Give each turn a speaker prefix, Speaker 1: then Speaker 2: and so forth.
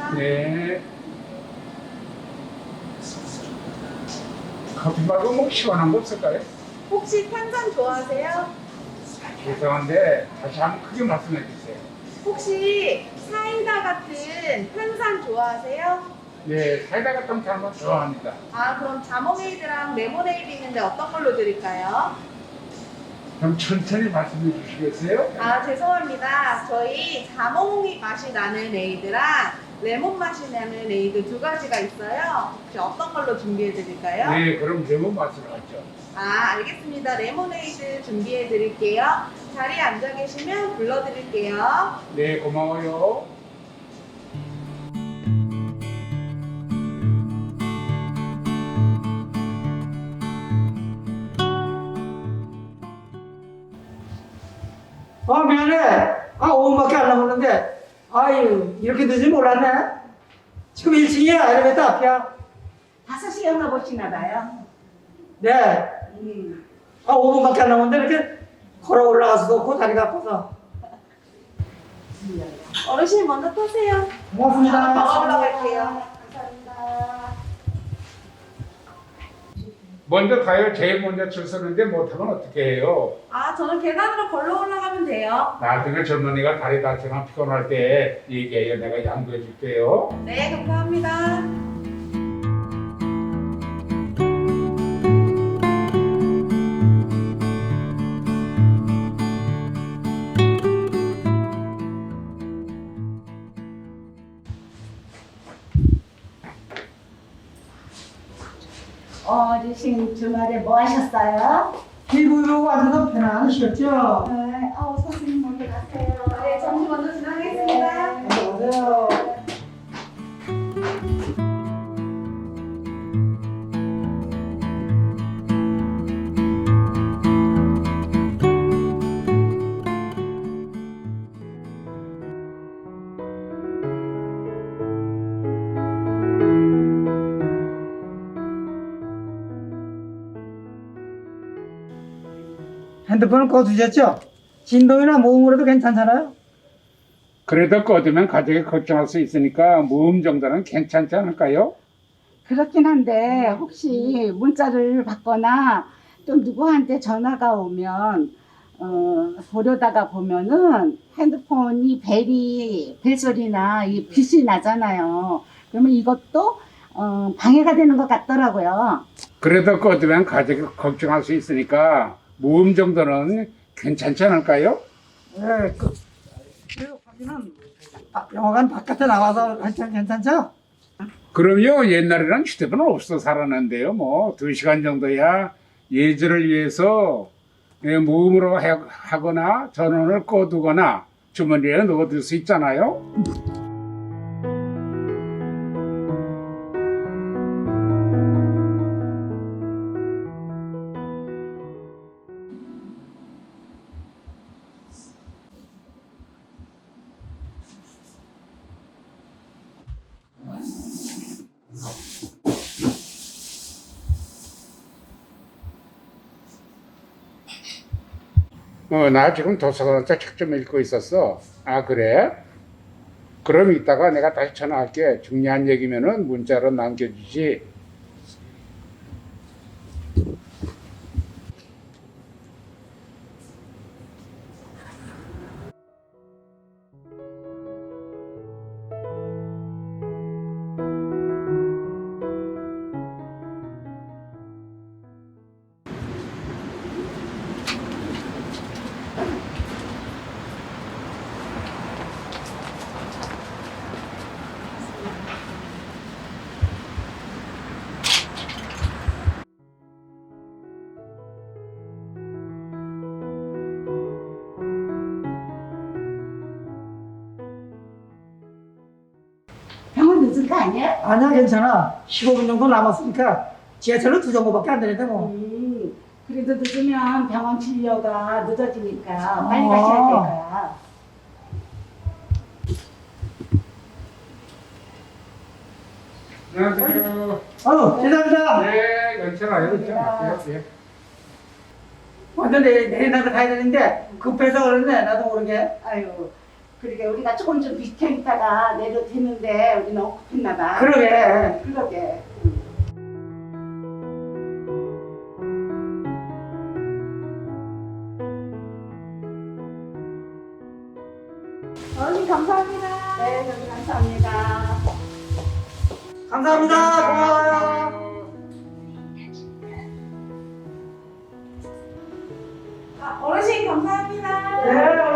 Speaker 1: 네. 커피 말고 뭐 시원한 거 없을까요?
Speaker 2: 혹시 탄산 좋아하세요?
Speaker 1: 죄송한데 다시 한번 크게 말씀해 주세요.
Speaker 2: 혹시 사이다 같은 탄산 좋아하세요?
Speaker 1: 네, 사이다 같은 사람은 좋아합니다.
Speaker 2: 아, 그럼 자몽에이드랑 레모네이드 있는데 어떤 걸로 드릴까요?
Speaker 1: 그럼 천천히 말씀해 주시겠어요?
Speaker 2: 아, 죄송합니다. 저희 자몽이 맛이 나는 에이드랑 레몬 맛이 나는 에이드 두 가지가 있어요. 혹시 어떤 걸로 준비해 드릴까요?
Speaker 1: 네, 그럼 레몬 맛으로 하죠.
Speaker 2: 아, 알겠습니다. 레모네이드 준비해 드릴게요. 자리에 앉아 계시면 불러 드릴게요.
Speaker 1: 네, 고마워요.
Speaker 3: 미안해. 5분밖에 안 남았는데. 아유, 이렇게 늦을 몰랐네. 지금 1층이야, 엘리베이터 앞이야.
Speaker 4: 5시에 영화 보시나 봐요.
Speaker 3: 네. 5분밖에 안 남았는데 이렇게 걸어 올라가서도 없고 다리가 아파서.
Speaker 2: 어르신 먼저 타세요.
Speaker 3: 고맙습니다.
Speaker 2: 더 올라갈게요. 감사합니다.
Speaker 1: 먼저 가요. 제일 먼저 줄 서는데 못하면 어떻게 해요?
Speaker 2: 아, 저는 계단으로 걸러 올라가면 돼요.
Speaker 1: 나중에 젊은이가 다리 다치거나 피곤할 때 얘기해요. 내가 양보해 줄게요.
Speaker 2: 네, 감사합니다.
Speaker 4: 어르신 주말에 뭐 하셨어요?
Speaker 3: 피부로 앉아서 편안하시겠죠?
Speaker 4: 네, 선생님 먼저 가세요.
Speaker 2: 네, 점심 먼저 지나가겠습니다.
Speaker 3: 안녕하세요. 핸드폰은 꺼두셨죠? 진동이나 모음으로도 괜찮잖아요?
Speaker 1: 그래도 꺼두면 가족이 걱정할 수 있으니까 모음 정도는 괜찮지 않을까요?
Speaker 4: 그렇긴 한데 혹시 문자를 받거나 또 누구한테 전화가 오면 보려다가 보면은 핸드폰이 벨소리나 이 빛이 나잖아요. 그러면 이것도 방해가 되는 것 같더라고요.
Speaker 1: 그래도 꺼두면 가족이 걱정할 수 있으니까 모음 정도는 괜찮지 않을까요?
Speaker 3: 네, 그 확인은 영화관 바깥에 나와서 하시면 괜찮죠?
Speaker 1: 그럼요. 옛날에는 휴대폰 없어 살았는데요. 뭐 2시간 정도야 예절을 위해서 모음으로 하거나 전원을 꺼두거나 주머니에 넣어둘 수 있잖아요. 나 지금 도서관에서 책 좀 읽고 있었어. 아, 그래? 그럼 이따가 내가 다시 전화할게. 중요한 얘기면은 문자로 남겨주지.
Speaker 4: 병원 늦은 거 아니야?
Speaker 3: 아니야, 괜찮아. 15분 정도 남았으니까 지하철로 2정거밖에 안 되는데 뭐.
Speaker 4: 그래도 늦으면 병원 진료가 늦어지니까 빨리 가셔야 될 거야.
Speaker 1: 안녕하세요.
Speaker 3: 죄송합니다.
Speaker 1: 네, 괜찮아요. 괜찮아요. 예.
Speaker 3: 완전 내일 나도 가야 되는데 급해서 그러네, 나도 모르게.
Speaker 4: 아유, 그러게 우리가 조금 좀 비켜 있다가 내려드는데 우리는 엉급했나 봐.
Speaker 3: 그러게.
Speaker 4: 그러게.
Speaker 2: 어머니 감사합니다.
Speaker 4: 네, 저도 감사합니다.
Speaker 3: 감사합니다. 고마워요.
Speaker 2: 어르신 감사합니다.
Speaker 3: 네,